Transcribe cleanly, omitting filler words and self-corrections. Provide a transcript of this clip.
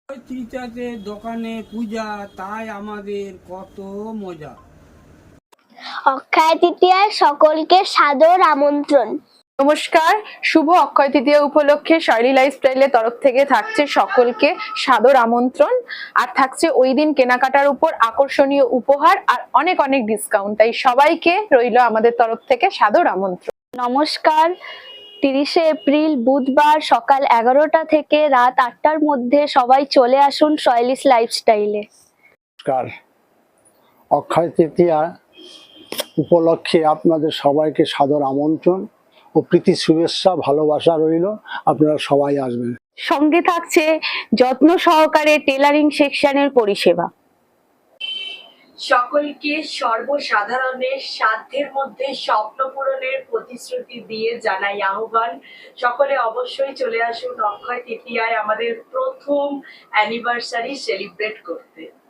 তৃতীয়াতে দোকানে পূজা, তাই আমাদের কত মজা। অক্ষয় তৃতীয়ায় সকলকে সাদর আমন্ত্রণ। নমস্কার, শুভ অক্ষয় তৃতীয়া উপলক্ষে শৈলী লাইফস্টাইলের তরফ থেকে থাকছে সকলকে সাদর আমন্ত্রণ। আর থাকছে ওই দিন কেনাকাটার উপর আকর্ষণীয় উপহার আর অনেক অনেক ডিসকাউন্ট। তাই সবাইকে রইল আমাদের তরফ থেকে সাদর আমন্ত্রণ। নমস্কার, 30শে এপ্রিল বুধবার সকাল 11টা থেকে রাত 8টার মধ্যে সবাই চলে আসুন শৈলীস লাইফস্টাইলে। নমস্কার, অক্ষয় তৃতীয়া উপলক্ষে আপনাদের সবাইকে সাদর আমন্ত্রণ ও প্রীতি শুভেচ্ছা ভালোবাসা রইল। আপনারা সবাই আসবেন। সঙ্গে থাকছে যত্ন সহকারে টেলারিং সেকশনের পরিষেবা। সকলকে সর্বসাধারণের সাধ্যের মধ্যে স্বপ্ন পূরণের প্রতিশ্রুতি দিয়ে জানাই আহ্বান। সকলে অবশ্যই চলে আসুন অক্ষয় তৃতীয়ায় আমাদের প্রথম অ্যানিভার্সারি সেলিব্রেট করতে।